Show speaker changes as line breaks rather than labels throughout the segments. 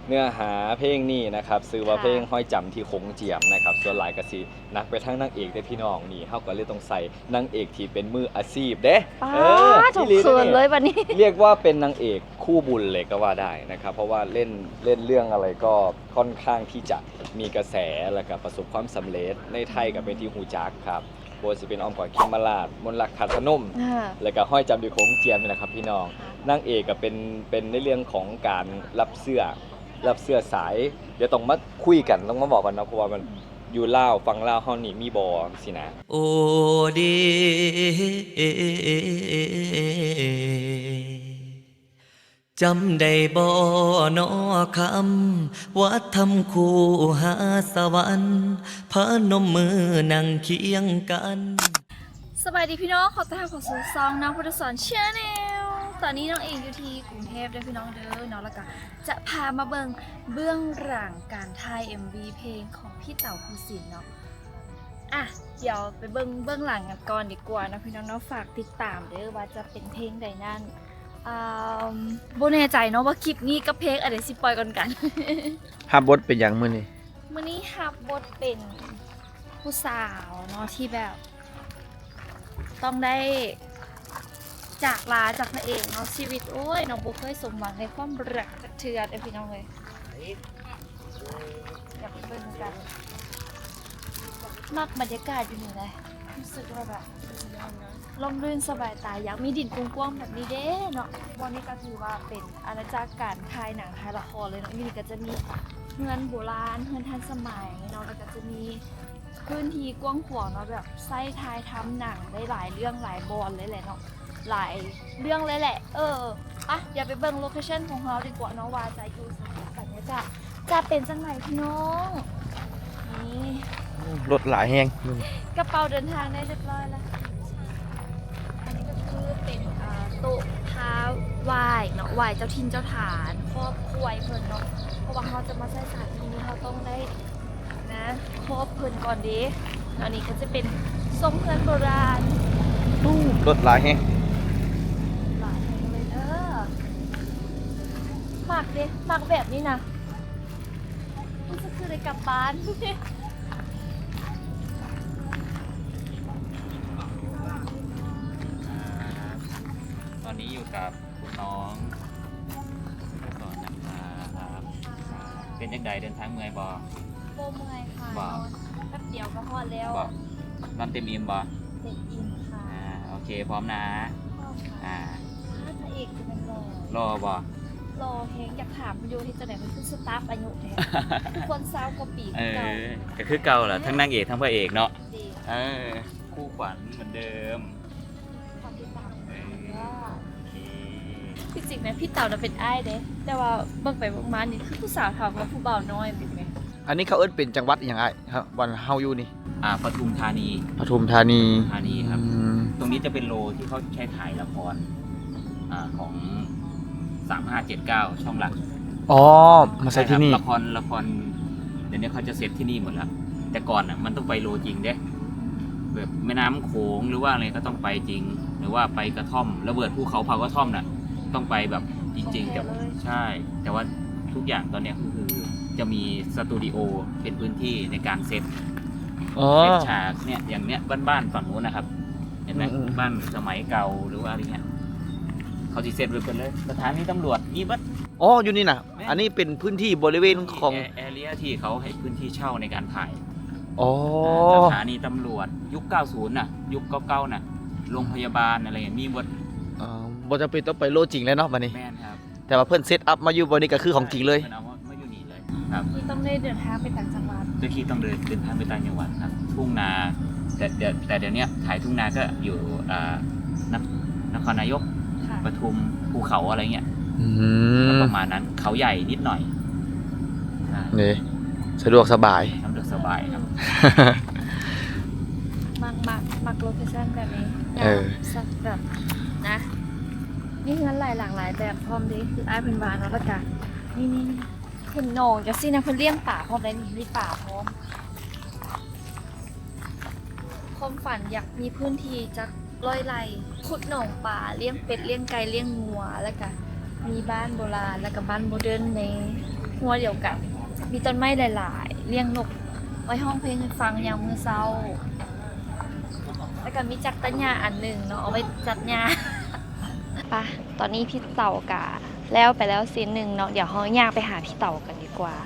เนื้อหาเพลงนี้นะครับซื้อว่าเพลงห้อยจำที่คงเจียมนะครับส่วนหลายกะสินักไปทั้งนางเอกได้พี่น้องนี่เฮาก็เลยต้องใส่นางเอกที่เป็นมืออาชีพเด้
ถูกเขินเลยวันนี้
เรียกว่าเป็นนางเอกคู่บุญเลยก็ว่าได้นะครับเพราะว่าเล่นเรื่องอะไรก็ค่อนข้างที่จะมีกระแสและก็ประสบความสำเร็จในไทยก็เป็นที่หูจักครับโบสิเป็นอ้อมกอดคิมมาลาดมนต์รักขัดสนุ่มแล้วก็ห้อยจำดีโค้งเจียมนี่แหละครับพี่น้องนางเอกก็เป็นในเรื่องของการรับเสื้อสายเดี๋ยวต้องมาคุยกันต้องมาบอกกันนะเพราะว่ามันอยู่ลาวฟังลาวเฮานี่มีบ่สินะ
โอเดจำได้บ่นอคำว่าทำคู่หาสวรรค์พนมมือนั่งเคียงกัน
สบายดีพี่น้องขอต้อนรับเข้าสู่ซองน้องพุทธสอนชาแนลตอนนี้น้องเองอยู่ที่กรุงเทพเด้อพี่น้องเด้อเนาะแล้วก็จะพามาเบื้องหลังการถ่าย MV เพลงของพี่เต๋าภูสินทร์เนาะอ่ะเดี๋ยวไปเบื้องหลังกันก่อนดีกว่านะพี่น้องเนาะฝากติดตามเด้อว่าจะเป็นเพลงใดนั่นโบแน่ใจเนาะว่าคลิปนี้กับเพลงอะไรสิปล่อยกัน
ภาพบทเป็นอย่างมื้อนี้
มื้อนี้ฮับบทเป็นผู้สาวเนาะที่แบบต้องได้จากลาจากพระเอกเนาะชีวิตโอ้ยน้องบุเคยสมหวังในความรักจากเทือนพี่น้องเลยอยากไปเบิ่งกันมักบรรยากาศอยู่นี่เลยรู้สึกว่าแบบลมรื่นสบายตาอยากมีดินกว้างๆแบบนี้เด้เนาะวันนี้ก็ถือว่าเป็นอาณาจักรการถ่ายหนังถ่ายละครเลยเนาะนี่ก็จะมีเฮือนโบราณเฮือนทันสมัยเนาะแล้วก็จะมีพื้นที่กว้างขวางเนาะแบบไส้ทายทำหนังได้หลายเรื่องหลายบอลเลยแหละเนาะหลายเรื่องเลยแหละอ่ะเดี๋ยวไปเบิ่งโลเคชั่นของเราดีกว่าเนาะว่าจะอยู่สถานการณ์นี้จะเป็นจังไหนพี่น้องนี่
รถหลายแฮง
กระเป๋าเดินทางได้เรียบร้อยแล้วอันนี้ก็คือเป็นโต๊ะท้าไหว้เนาะไหว้เจ้าทินเจ้าฐานครอบครัวเพิ่นเนาะเพราะว่าเขาจะมาใช้สถานที่นี้เขาต้องได้นะครอบเพิ่นก่อนดิอันนี้ก็จะเป็นทรงเฮือนโบราณ
รถหลายแฮง
หลายเลยหมักดิหมักแบบนี้นะมันจะคือได้กลับบ้าน
ตอนนี้อยู่กับคุณน้องก่อนนะครับเป็นยังไงเดินทางเมื่อยบ่
โบเมื่อยค่ะนอนแป๊บเดียวก็พอแล้ว
นอนเต็มอิ่มบ่
เต็มอิ่มค่ะ
โอเคพร้อมนะ
พระเอกจะเป็น
รอบ่
รอเพลงอยากถามอยู่ที่จะไหนมันคือสตาฟอายุแท้ทุกคนเศร้ากว่าปีเก่า
ก็คือเก่าแหละทั้งนางเอกทั้งพระเอกเนาะคู่ขวัญเหมือนเดิม
ที่จริงนะพี่เต่าน่ะเป็นอ้ายเด้แต่ว่าเบิ่งไปเบิ่งมานี่คือผู้สาวถามว่าผู้บ่าวน้อยเป็นไง
อันนี้เขาเอิ้นเป็นจังหวัดอย่างไรครับวันเฮาอยู่นี่
ปทุมธานีครับตรงนี้จะเป็นโลที่เขาใช้ถ่ายละครของ3579ช่องหลัก
มาใช้ที่นี่
ละครเดี๋ยวนี้เขาจะเซตที่นี่หมดแล้วแต่ก่อนอ่ะมันต้องไปโลจริงเด้แบบแม่น้ำโขงหรือว่าอะไรก็ต้องไปจริงหรือว่าไปกระท่อมระเบิดภูเขาเผากระท่อมน่ะต้องไปแบบจริงๆแต่ใช่แต่ว่าทุกอย่างตอนนี้คือจะมีสตูดิโอเป็นพื้นที่ในการเซตฉากเนี่ยอย่างเนี้ยบ้านฝั่งนู้นนะครับเห็นไหมบ้านสมัยเก่าหรือว่าอะไรเงี้ยเขาที่เซตไว้เป็นเลยสถานีตำรวจนี่บัด
อยู่นี่นะอันนี้เป็นพื้นที่บริเวณของ
แอเรียที่เขาให้พื้นที่เช่าในการถ่าย
ส
ถานีตำรวจยุค90น่ะยุคเก่าๆน่ะโรงพยาบาลอะไรอย่างนี้หมด
บ่จำเป็นต้องไปโลจริงแล้วเนาะบัดนี้
แม่นครับ
แต่ว่าเพิ่นเซตอัพมาอยู่บนนี้ก็คือของจริงเลย
เอามาอยู่นี่เลยครับ
ต้องได้เดินทางไปต่างจังหวัด
โดยที่ต้องเดินทางไปต่างจังหวัดครับทุ่งนาแต่เดี๋ยวนี้ถ่ายทุ่งนาก็อยู่นครนายกปทุมภูเขาอะไรเงี้ยประมาณนั้นเขาใหญ่นิดหน่อย
นี่สะดวกสบาย
ครับ
มักโลเคชั่นแบบนี้แบบนะนี่เงินหลายหลากหลายแบบพร้อมดีคือไอ้เป็นวานแล้วกันนี่เห็นนองจะสินะเพิ่นเลี้ยงป่าพร้อมได้นี่มีป่าพร้อมความฝันอยากมีพื้นที่จักร้อยไร่ขุดหนองป่าเลี้ยงเป็ดเลี้ยงไก่เลี้ยงงัวแล้วก็มีบ้านโบราณแล้วก็บ้านโมเดิร์นในหัวเดียวกัน มีต้นไม้หลายๆเลี้ยงนกไว้ห้องเพลงให้ฟังยามมื้อเช้าแล้วก็มีจักรตัญญาอันหนึ่งเนาะเอาไว้จัดหญ้า ปะตอนนี้พี่เต่ากะแล้วไปแล้วซีนหนึ่งเนาะเดี๋ยวเราย่างไปหาพี่เต่ากันดีกว่า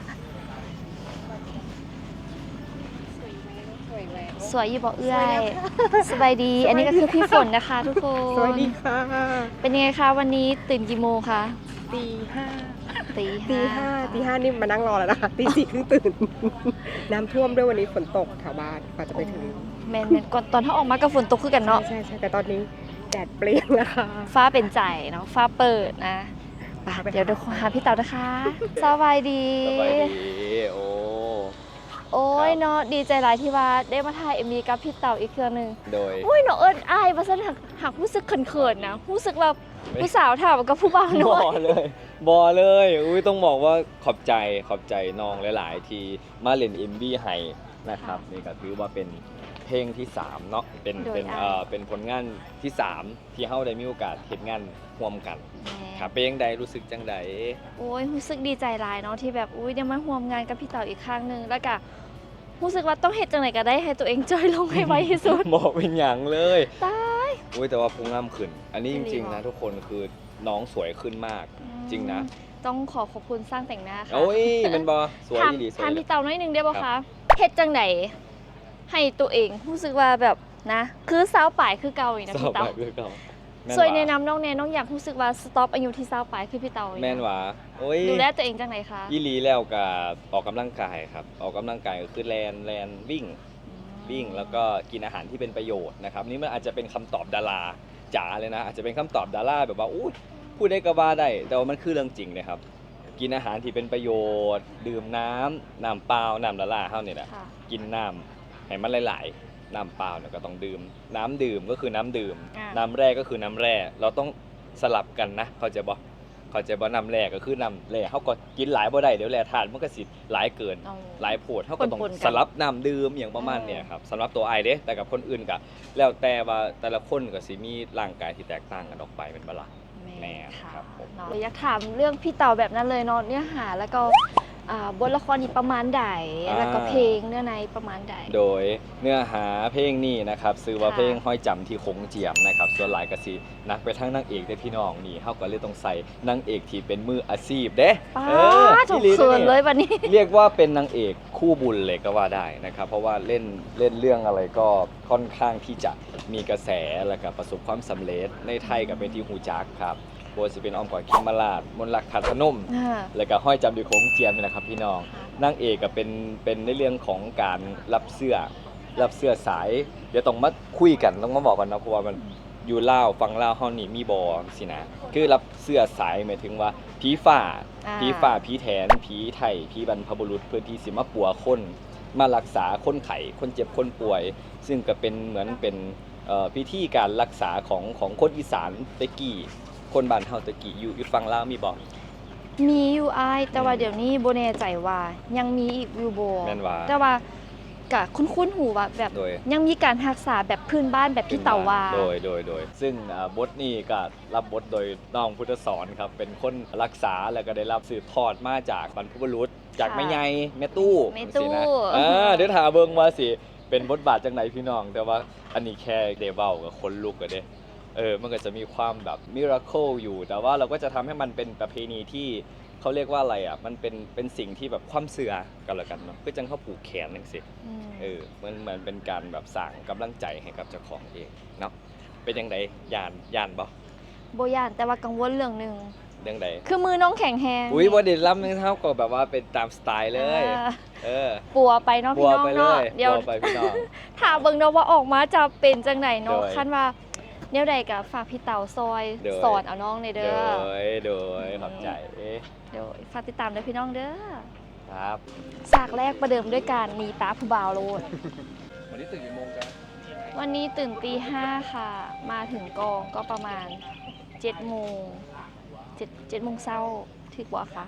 สวยอยู่บ่เอื้อยสบายดี อันนี้ก็คือพี่ฝนนะคะทุกคน
สวัสดีค่ะ
เป็นยังไงคะวันนี้ตื่นกี่โมงคะ
ตีห้า
ตี
ตีห้านี่มานั่งรอแล้วนะคะตีสี่เพิ่งตื่น น้ำท่วมด้วยวันนี้ฝนตกแถวบ้านกว่าจะไปถึง
แมนก่อนตอนถ้าออกมาก็ฝนตกคือกันเนาะ
ใช่แต่ตอนนี้แดดเปรี้ยงแล้วค่ะ
ฟ้าเป็นใจเนาะฟ้าเปิดนะไป
ไป
เดี๋ยวดูหาพี่เต่านะคะสบายดี
สบายดีโอ้
โอ้ยเนาะดีใจหลายที่ว่าได้มาถ่ายMVกับพี่เต่าอีกเครื่องหนึง
โดย
โอ้ยเนาะเอิญอายว่าซั่นหักรู้สึกเขินๆนะรู้สึกว่าผู้สาวถามกับผู้บ่าว
บ
น้อ
อย เลยบอเลย อุ้ยต้องบอกว่าขอบใจน้องหลาย ๆ ที่มาเล่น MV ให้นะครับนี่ก็ถือว่าเป็นเพลงที่ 3 เนาะเป็นผลงานที่ 3 ที่เฮาได้มีโอกาสเฮ็ดงานร่วมกันครับเป็นจังใดรู้สึกจังใด
โอ้ยรู้สึกดีใจหลายเนาะที่แบบอุ้ยได้มาร่วมงานกับพี่เต่าอีกครั้งหนึงแล้วก็รู้สึกว่าต้องเฮ็ดจังไดก็ได้ให้ตัวเองจอยลงให้ไวที่สุด
บอกเป็นหยังเลย
ตาย
อุ้ยแต่ว่าพุงงามขึ้น อันนี้จ
จริ
ริ
ง
ง
เหรอ
ๆนะทุกคนคือน้องสวยขึ้นมาก จริงนะ
ต้องขอบคุณสร้างแต่งหน้าค่ะ
โอ้ยเป็นบอสวย
ถาม
ดีสวย
ถาม
เลย
พี่เต่าน้อยหนึงได้ป่ะ
ครั
คะ
บ
เฮ็ดจังไดให้ตัวเองรู้สึกว่าแบบนะ คือสาวป่ายคือเก่าอีกนะ
สอบ
พี่
ไป
เต่า
เพื่อเก่าแม่น
สวย
หวา
แนะนำน้องแนน้องอยากรู้สึกว่าสต็อปอายุที่สาวป่ายคือพี่เต่าอีกะ
แม่นหวาโอ้ย
ดูแลตัวเองจังไดคะ
อีหลีแล้วกับออกกำลังกายครับออกกำลังกายก็คือแลนวิ่งแล้วก็กินอาหารที่เป็นประโยชน์นะครับนี่มันอาจจะเป็นคำตอบดาราจ๋าเลยนะอาจจะเป็นคำตอบดาราแบบว่าอู้พูดได้ก็ว่าได้ แต่ว่ามันคือเรื่องจริงนะครับกินอาหารที่เป็นประโยชน์ ดื่มน้ำเปล่าน้ำละลาเท่านี่แหละ
ค่ะ
กินน้ำให้มันหลายๆน้ำเปล่าเนี่ยก็ต้องดื่มน้ำดื่มก็คือน้ำดื่ม
อ่า
น้ำแร่ก็คือน้ำแร่เราต้องสลับกันนะเข้าใจบ่น้ำแร่ก็คือน้ำแร่เฮาก็กินหลายบ่ได้เดี๋ยวแร่ธาตุมันก็สิหลายเกิน
เอา
หลายโพดเขาก็ต้อง
ปนๆกัน
สลับน้ำดื่มอย่างประมาณเนี่ยครับสำหรับตัวไอเด้แต่กับคนอื่นก็แล้วแต่ว่าแต่ละคนก็สิมีร่างกายที่แตกต่างกันออกไปเป็นบ่ล่ะ แม่
ค่ะ
ครับผม
เนาะอยากถามเรื่องพี่เต่าแบบนั้นเลยเนาะเนื้อหาแล้วก็บทละครนี่ประมาณใดแล้วก็เพลงเนื้อในประมาณใด
โดยเนื้อหาเพลงนี้นะครับชื่อว่า
ค่ะ
เพลงห้อยจำที่คงเจียมนะครับส่วนหลายก็สินักไปทั้งนางเอกได้พี่น้องนี่เฮาก็เลยต้องใส่นางเอกที่เป็นมืออาชีพเด้
ป้า
เออ
ถูก
อีห
เขิน
ด้
เลยวันนี้
เรียกว่าเป็นนางเอกคู่บุญเลยก็ว่าได้นะครับเพราะว่าเล่นเรื่องอะไรก็ค่อนข้างที่จะมีกระแสแล้วก็ประสบความสำเร็จในไทยก็เป็นที่หูจักครับโบสิเป็นอ้อมกอดคิมมาลาดมนต์รักขัดพนม แล้วก็ห้อยจำดีโค้งเจียมนี่แหละครับพี่น้องนางเอกก็เป็นในเรื่องของการรับเสื้อสาย เดี๋ยวต้องมาคุยกันต้องมาบอกกันนะเพราะว่ามันอยู่ลาวฟังลาวเฮานี่มีบอสินะคือรับเสื้อสายหมายถึงว่าผีฝ่า ผีแถนผีไทยผีบรรพบุรุษเพื่อที่สิมาปัวคนมารักษาคนไข้คนเจ็บคนป่วย ซึ่งก็เป็นเหมือนเป็นพิธีการรักษาของคนอีสานตะกี้คนบ้านเฮาตะกี้อยู่ฝั่งลาวมีบ่
มีอยู่อ้ายแต่ว่าเดี๋ยวนี้โบแน่ใจว่ายังมีอีกอยู่บ่
แม่นว่า
แต่ว่ากะคุ้นๆหูว่าแบบ
โดย
ยังมีการรักษาแบบพื้นบ้านแบบพี่เต่าว่า
โดยซึ่งบทนี้ก็รับบทโดยน้องพุทธสอนครับเป็นคนรักษาแล้วก็ได้รับสืบทอดมาจากบรรพบุรุษจากแม่ใหญ่แม่ตู้
แม่ตู้
สินะเดี๋ยวถามเบิ่งว่าสิเป็นบทบาทจังไหนพี่น้อง แต่ว่าอันนี้แค่เดเว้ากับคนลุกก็เด้มันก็จะมีความแบบมิราเคิลอยู่ แต่ว่าเราก็จะทำให้มันเป็นประเพณีที่เขาเรียกว่าอะไรอ่ะมันเป็นสิ่งที่แบบความเสื่อกันละกันเนาะคือจังเขาผูกแขนจังซี่ มันเหมือนเป็นการแบบสร้างกำลังใจให้กับเจ้าของเองเนาะเป็นยังไงย่านบ่
โบย่านแต่ว่ากังวลเรื่องหนึง
เรื่องใด
คือมือน้องแข็งแฮง
อุ้ยบ่ได้ล้ำนึงเท่าก็แบบว่าเป็นตามสไตล์เลย
ปัวไปเนาะ
บั
พี่
ว
น้อง
ไปเล
เนาะ
ย
เดี๋ยว
บัวไปพี่น้อง
ถ้าเบิ่งเนาะว่าออกมาจะเป็นจังไหนเนาะ
โดย
คันว่าแนวใดก็ฝากพี่เต่าซอย
โดย
สอนเอาน้องในเด้อ
โดยขอบใจ
เดี๋ยวฝากติดตามด้วยพี่น้องเด้อ
ครับ
ฉากแรกประเดิมด้วยการหนีป้าผู้บ่าวโลด
วันนี้ตื่นกี่โมงจ๊ะ
วันนี้ตื่นตี 5ค่ะ มาถึงกองก็ประมาณ7 โมง7 โมงเช้าถึกบ่คะ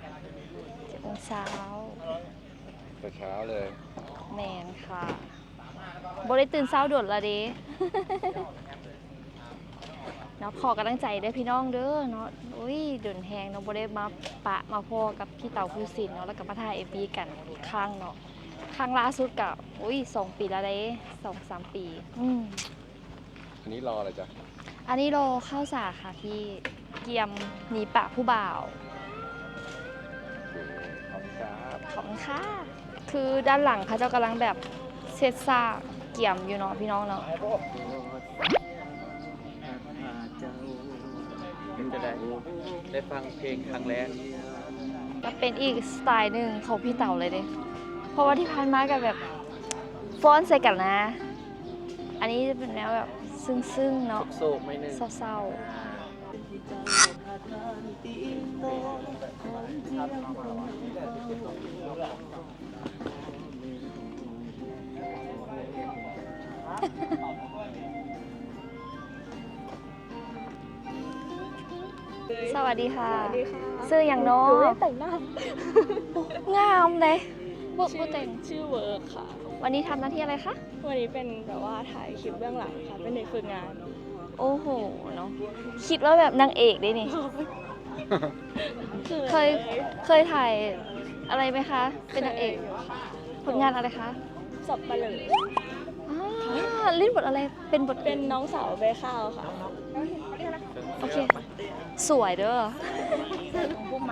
7 โมงเช้า
แต่เช้าเลย
แมนค่ะบ่ได้ตื่นเช้าโดดละเด้เนาะขอกำลังใจได้อพี่น้องเด้อเนาะอุ้ยเดินแหงเนาะบ่ได้มาปะมาพ่อกับพี่เต่าภูสินทร์เนาะแล้วก็มาถ่าย MV กันอีกครั้งเนาะครั้งล่าสุดก็อุ้ย2 ปีแล้วเด้2-3 ปี
อันนี้รออะไรจ๊ะ
อันนี้โลข้าวสากค่ะพี่เกียมหนีปะผู้บ่าว
ขอบคุณครับ
ขอบคุณค่ะคือด้านหลังเขาเจ้ากำลังแบบเซตซากเกี่ยมอยู่เนาะพี่น้องเนาะ
เป็นจะได้ฟังเพลงครั้งแรก
ก็เป็นอีกสไตล์หนึ่งของพี่เต่าเลยเด้เพราะว่าที่ผ่านมากับแบบฟ้อนใส่กันนะ อันนี้จะเป็นแนวแบบซึ้งๆเนาะ
โศกไม่นึง
เศร้าๆสวัสดีค่ะซื้ออย่างน้องแต่งหน้างามเลยบุกแต่ง
ชื่อเวิร์กค่ะ
วันนี้ทำหน้าที่อะไรคะ
วันนี้เป็นแบบว่าถ่ายคลิปเบื้องหลังค่ะ เป็นเด็กฝึกงาน
โอ้โหเนาะคิดว่าแบบนางเอกได้นี่ เคยถ่ายอะไรไหมคะ เป็นนางเอกผลงานอะไรคะ
สับปะเหร่อ
เล่นบทอะไรเป็นบท
เป็นน้องสาวใบข้าวค่ะ
โอเค สวยเด้อ
พวกไม้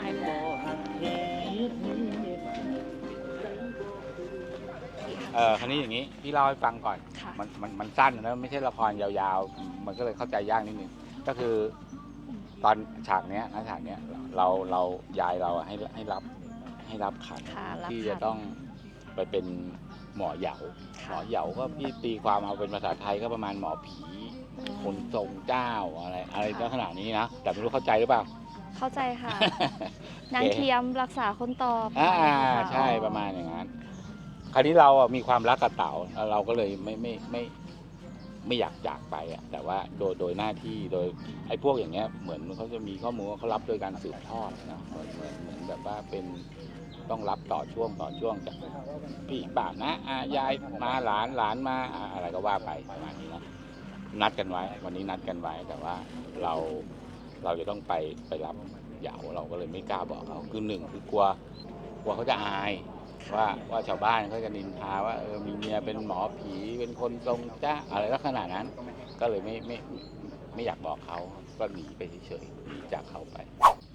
คราวนี้อย่างนี้พี่เล่าให้ฟังก่อน
ค่ะ
มันสั้นนะไม่ใช่ละครยาวๆ มันก็เลยเข้าใจยากนิดนึงก็คือตอนฉากเนี้ยนะฉากเนี้ยเรายายเราอะให้รับขัน
ค่ะรับ
ที่
ขัน
จะต้องไปเป็นหมอเหยา
ค่ะ
หมอเหยาก็พี่ตีความเอาเป็นภาษาไทยก็ประมาณหมอผี คนทรงเจ้าอะไรลักษณะนี้นะแต่ไม่รู้เข้าใจหรือเปล่า
เข้าใจค่ะ นางเทียมรักษาคนต่อไป
ใช่ประมาณอย่างนั้น คราวนี้เราอะมีความรักกับเต๋าแล้วเราก็เลยไม่อยากจากไปอ่ะแต่ว่าโดยหน้าที่โดยไอ้พวกอย่างเงี้ยเหมือนเขาจะมีข้อมูลว่าเขารับโดยการสืบทอดนะเหมือนแบบว่าเป็นต้องรับต่อช่วงจากพี่ป้านะยายมาหลานมาอะไรก็ว่าไปประมาณนี้นะนัดกันไว้วันนี้นัดกันไว้แต่ว่าเราจะต้องไปรับเหยาเราก็เลยไม่กล้าบอกเขาคือหนึ่งคือกลัวเขาจะอายว่าชาวบ้านเขาจะนินทาว่ามีเมียเป็นหมอผีเป็นคนทรงจ้าอะไรลักษณะนั้น ก็เลยไม่อยากบอกเขาก็หนีไปเฉยๆหนีจากเขาไป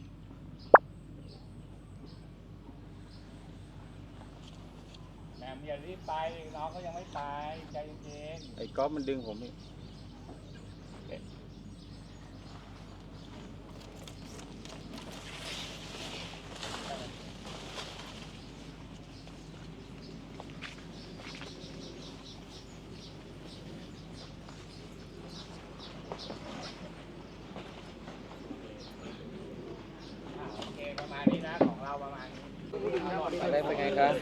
แม่อย่ารีบไปน้องเขายังไม่ตายใจเย็นไอ้ก๊อฟมันดึงผมนี่
อะไรเป็นไงครับ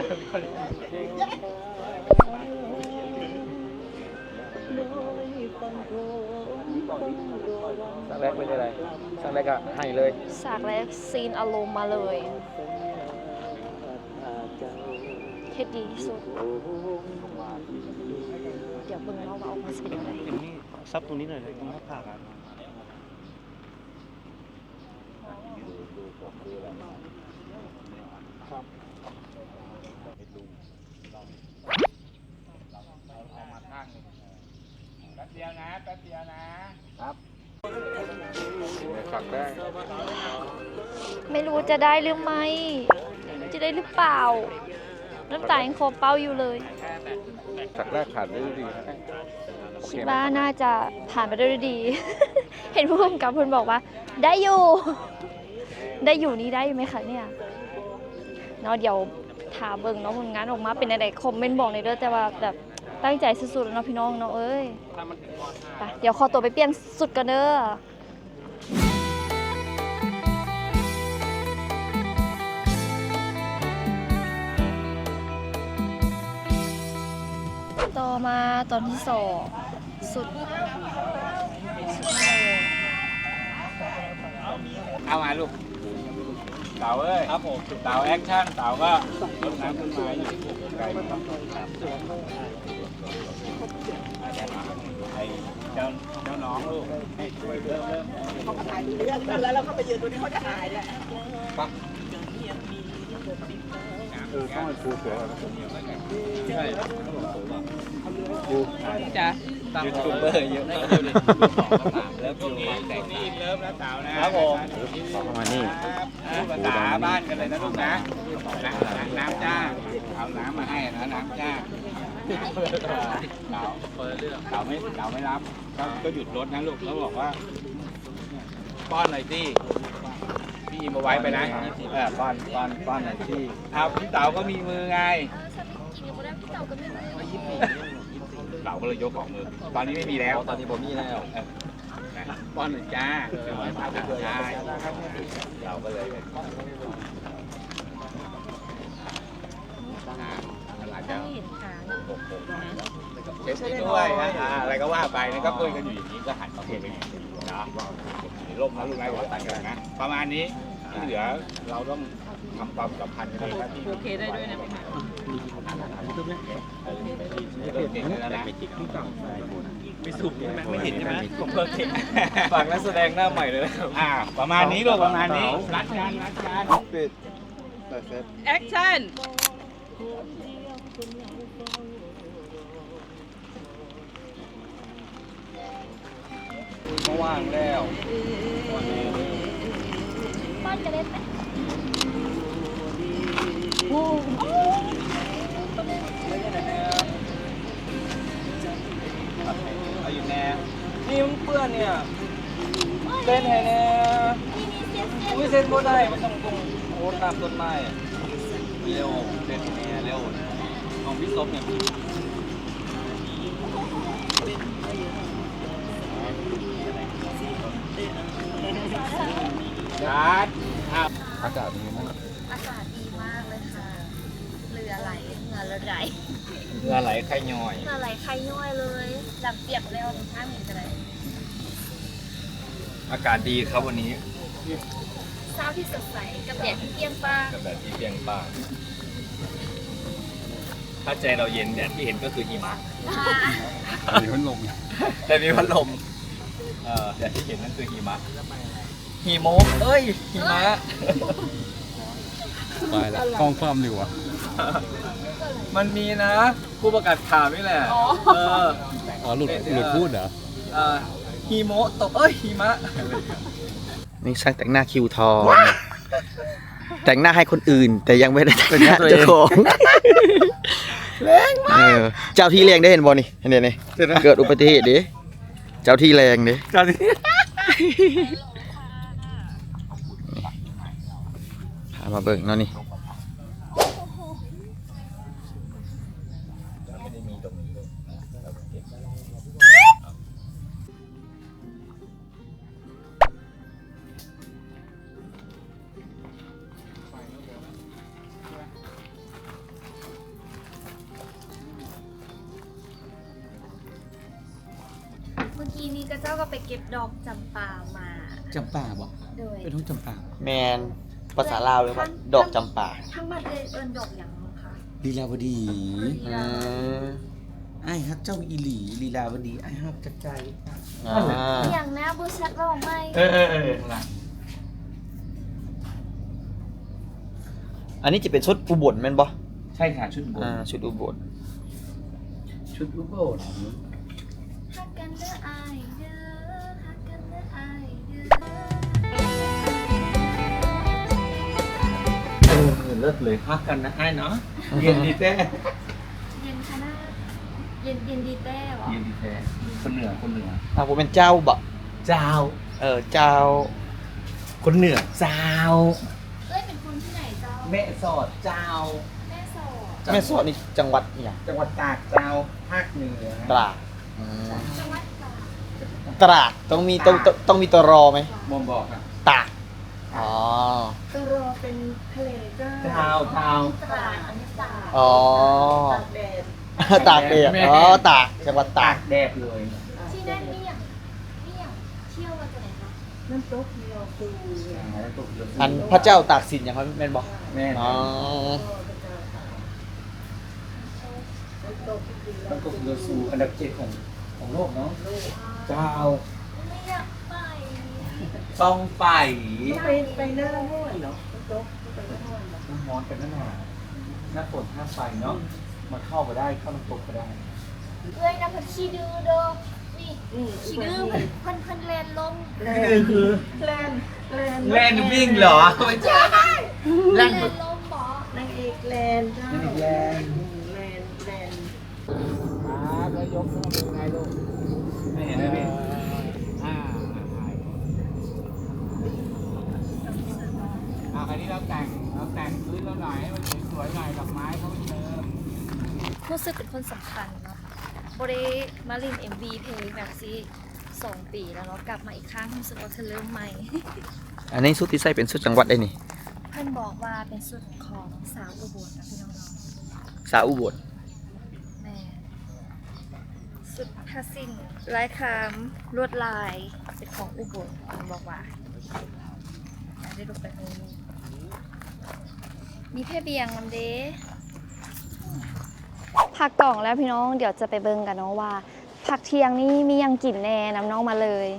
สักแรกเป็นอะไรสักแรกก็ให้เลย
ฉากแรกซีนอารมณ์มาเลยเฮ็ดดีที่สุด เดี๋ยวเบิ่งเนาะว่าออกมาจะเป็นยังไง
นี่ซับตรงนี้หน่อยเลยตรงหน้าผากอ่ะ
แป๊บเดียวนะครับ
ฝักได้
ไม่รู้จะได้หรือไม่จะได้หรือเปล่า น้ำตายังคอเป้าอยู่เลย
ฝักแรกผ่านได้ดี
คิดว่าน่าจะผ่านไปได้ด้วยดี เห็นผู้กำกับเพิ่นบอกว่า ได้อยู่ ได้อยู่นี่ได้อยู่ไหมคะเนี่ยเนาะเดี๋ยวถามเบิ่งเนาะผลงานออกมาเป็นอะไรคอมเมนต์บอกในอยเด้อแต่ว่าแบบตั้งใจสุดๆแล้วเนาะพี่น้องเนาะเอ้ยไปเดี๋ยวขอตัวไปเปลี่ยนสุดกันเด้อต่อมาตอนที่2สุด
เอามาลูกเต๋าเอ้ยครับผมเต๋าแอคชั่นเต๋าก็รดน้ำต้นไม้อยู่ไกลไหมครับไอ้เจ้าน้องลูกให้ช่วยเริ่ม
เขาก็ถ่ายเรื่องกันแล้วเราก็ไปยืนตรงนี้เขาจะถ่ายแหละ
ต้องไปปูเสือแล้วใช่
ยูทูบเบอร์เยอะมากแล้วช่วงนี้เริ่มแล้วสาวนะครับผมมานี่
ภาษาบ้านกันเลยนะลูกนะน้ำจ้าเอาน้ำมาให้นะน้ำจ้าเต่าไม่รับก็หยุดรถนะลูกแล้วบอกว่าป้อนหน่อยสิพี่มาไว้ไปนะป้อนหน่อยสิเอาพี่เต๋าก็มีมือไงเต๋าก็เลยยกของมือตอนนี้ไม่มีแล้ว
ตอนนี้ผมมีแล้ว
ป้อนหน่อยจ้าใช่เราก็เลยอาจจะเช็ดด้วยอะไรก็ว่าไปนะก็คุยกันอยู่อย่างนี้ก็หันมาคุยกันนะร่มนะลูกไม้หัวตันกันนะประมาณนี้ที่เหลือเราต้องทำความสัมพันธ์กันเองนะที่โอเคได้ด้วยนะเก่งแล้วนะไม่สุกใช่ไหมไม่เห็นใช่ไหมผมก็เก่ง
ฝากนักแสดงหน้าใหม่เลยนะครับ
ประมาณนี้ลูกประมาณนี้รัดกันปิด
แอคชั่น
ก็ว่างแล้ว
บ้านจะเล่นไหม
เอาอยู่แน่นี่มันเปื้อนเนี่ยเล่นไงเนี่ยอุ้ยเส้นบ่ได้มันต้องโอ้ตามต้นไม้เร็วเล่นแน่เร็วของพี่ซบเนี่ย
รัด
อากาศเป็นยังไง
อากาศดีมากเลยค่ะเรือไหลเหงื่อไหล
เรือไหลไข่ย่อย
เหงื่อไหลใครย่อยเลยหลับเปียกแล้วข้างเห็นจะได้
อากาศดีครับวันนี้
เช้าที่สดใสกับแดดที่เปรี้ยงป้าง
กับแบบที่เปรียงป้างถ้าใจเราเย็นแดดที่เห็นก็คือหิมะ
มีพัดลม
แต่มีพัดลมแดดที่เห็นนั่นคือหิมะหิโมกเอ้ยหิมะ
ไปแล้วกล้องความอยู่อ่ะ
มันมีนะผู้ประกาศข่าวนี่แหละ
หลุดพูดเหรอ
หิโมะตกเอ้ยหิมะ
นี่ช่างแต่งหน้าคิวทองแต่งหน้าให้คนอื่น แต่ยังไม่ได้แต่งหน้าเจ้าของแรงมากเจ้าที่แรงได้เห็นบอนี่เห็นไหมเกิดอุบัติเหตุดิเจ้าที่แรงดิพามาเบิ่งเนาะนี่
เมื่อกี้นี้ก็เจ้าก็ไปเก็บดอกจำปามา
จำป่าบ่
โดย
เป็นทุ่งจำป่าแมนภาษาลาวเลยว่าดอกจำป่า
ทั้งมันเลยเอิญดอกอย่างมั้งคะ
ลีลาวดี
ลีลาวดี
ไอ้ฮักเจ้าอีหลีลีลาวดีไอ้ฮักจักใจ
อย่างนะบูชัดเราไม่
อันนี้จะเป็นชุดอุบลแม่นบ่
ใช่ค่ะชุดบน
ชุดอุบล
ชุดอุบล
ฮักกันเด้ออายเด้อฮักกันเด้ออายเด้อ
เลิศเลยฮักกันนะไอ้เนาะเย็นดีแท้
เย็นขนาดเย็นดีแต้หรอ
เย็นดีแท้คนเหนือคนเหนือ
ผมเป็นเจ้าบ่
เจ้า
เจ้า
คนเหนือเจ้า
เอ้ยเป็นคนที่ไหนเจ้า
แม่สอดเจ้า
แม่สอด
แม่สอดนี่จังหวัดอหย่าง
จังหวัดตากเจ้าภาคเหนือ
ตราด
จังหวัดตราด
ตราดต้องมีตรอไหม
มอมบอกอ่ะ
ตากอ๋อ
ตัวรอเป็นทะเลเจ้า
เจ้า
ตราดอันนี้ตราด
อ๋อ ตากเดียตากจังหวัดตา
ตาก กแดดเลย
ที่นั่นเมี่ยงเที่ยวมาจากไหนคะน้ำตกเดียวปู
อันพระเจ้าตากสินอย่างเขาแม่นบอก
แม่
อ๋อ
ต้องกบเรือซูอันดับ7ของของโลกเนาะเจ้า
ไม่อยากไป
ต้องไป
ไปหน้าห้วนเนาะ
ต้องมอนกันนั่นน่ะหน้าฝนห้ามไปเนาะมาเข้ามาได้เข้าน้ำตกก็ได้
เพื่อนนะเพิ่นขี้ดื้อเด้อนี่ขี้ดื้อเพิ่นแลนลง
นี่คือ
แลน
แล่นวิ่งเหรอไม่ใช่
แลนลงบ่
นางเอกแลนเจ้า
แลน
แลน
ก็ยกขึ้นมาเป็นไงลูก
ไม่เห็นเลยพี่
คราวนี้เราแต่งพื้นเราหน่อยให้มันสวยๆหน่อยดอกไม้เขาไม่เติม
รู้สึกเป็นคนสำคัญเนาะบ่ได้มาเล่น MV เพลงแบบซี่2 ปีแล้วเนาะกลับมาอีกครั้งรู้สึกว่าเธอเริ่มใหม่
อันนี้สุดที่ใส่เป็นสุดจังหวัดได้นี่
เพิ่นบอกว่าเป็นสุดของสาวอุบลนะพี่น้อง
สาวอุบล
ๆแม่สุดผ้าสิ้นลายคามลวดลายเป็นของอุบลเพิ่นบอกว่าอยากได้รูปแบบนี้มีแพ่เบียงนำเด้ผักกล่องแล้วพี่น้องเดี๋ยวจะไปเบิ่งกันเนาะว่าผักเที่ยงนี่มียังกินแน่น้ำน้องมาเลย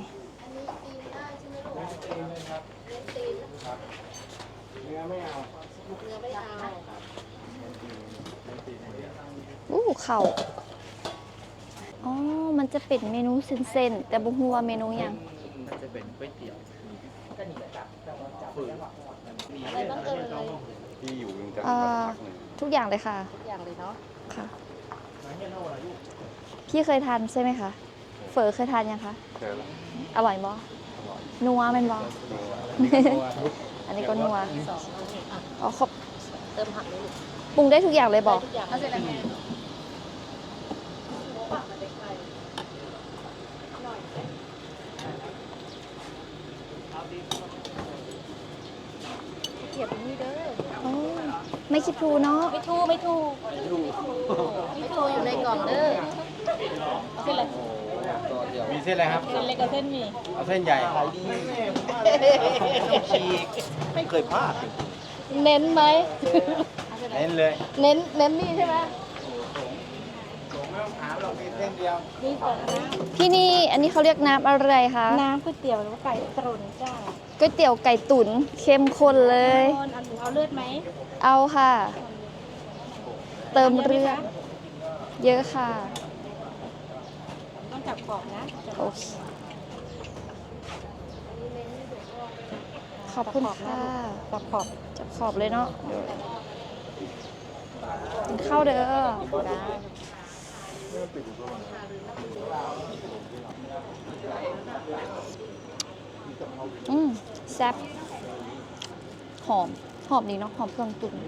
เข่าอ๋อมันจะเป็นเมนูเส้นๆแต่บุหัวาเมนูยังมันจะเป็นก๋วยเตี๋ยวอะไรบ้างเอ่ย
ที่อยู่วิงจันท
ทุกอย่างเลยค่ะ
ทุกอย่างเลยเนาะ
ค่ะ พี่เคยทานใช่ไหมคะ เฝอเคยทานยังคะ
เคยแล้ว
อร่อยบ่นัวเป็นบ่ อันนี้ก็นัวอ๋อครบ
เติมผักเลย
ปรุงได้ทุกอย่างเลยบ่
ทุกอย่างเลย เก็บนี่เด้อ
อ๋อไม่คิดทูเนาะ
ไม่ถูกอยู่ในกล่องเด้อเส้นอะไร
มีเส้นอะไรครับ
เส้นเล็กกับเส้นหมี่
เอาเส้นใหญ่ฉีกไม่เคยพลาด
เน้นไหม
เน้นเลย
เน้นนี่ใช่ไหม
ถามเรามีเส้นเดียว
นี่ก่อนนะ
ที่นี่อันนี้เขาเรียกน้ำอะไรคะ
น้ำก๋วยเตี๋ยวหรือว่าไก่ตรุนจ้า
ก๋วยเตี๋ยวไก่ตุ๋นเข้มข้นเลย
เอาเลือดไหม
เอาค่ะ เติมเลือดเยอะค่ะ
ต้องจับขอบนะ
โอเค ขอบคุณค่ะ
จับขอบ
จับขอบเลยเนาะกินข้าวเด้อแซ่บหอมดีเนาะหอมเครื่องตุ๋น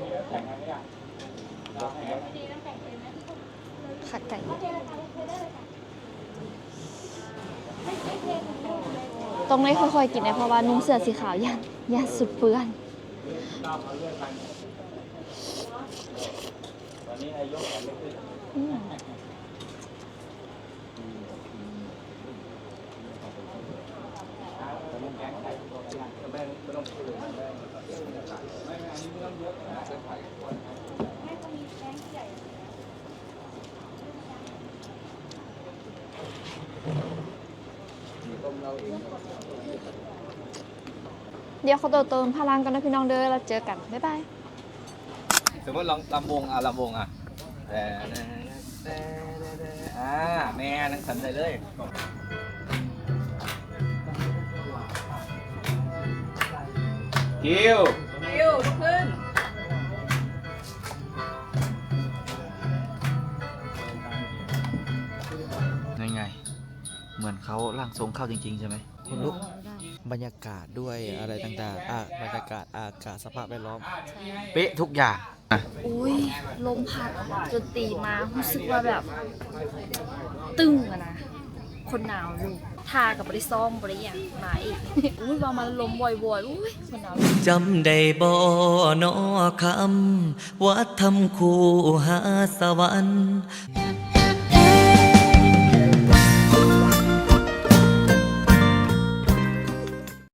ขาไก่ต้องได้ค่อยๆกินนะเพราะว่านุ่งเสื้อสีขาวย่านสุดเปื้อนเดี๋ยวเขาเติมพลังกันนะพี่น้องเด้อเราเจอกัน บ๊ายบาย
สมมติลำวงลำวงแม่นั่งสันใจเลยคิว
ลุกขึ้น
ยังไง เหมือนเขาร่างทรงเข้าจริงๆใช่ไหมคุณลุกบรรยากาศด้วยอะไรต่างๆบรรยากาศอากาศสภาพแวดล้อม เป๊ะทุกอย่าง
อุ้ยลมพัดจนตีมารู้สึกว่าแบบ ตึงอะนะ คนหนาวลูกทากับบริซ้อมบริอย่างมาอีก อุ้ยว่ามันลมบ่อยๆอุ้ยคนหนาว
จำได้บ่นอคำว่าทำคู่หาสวรรค์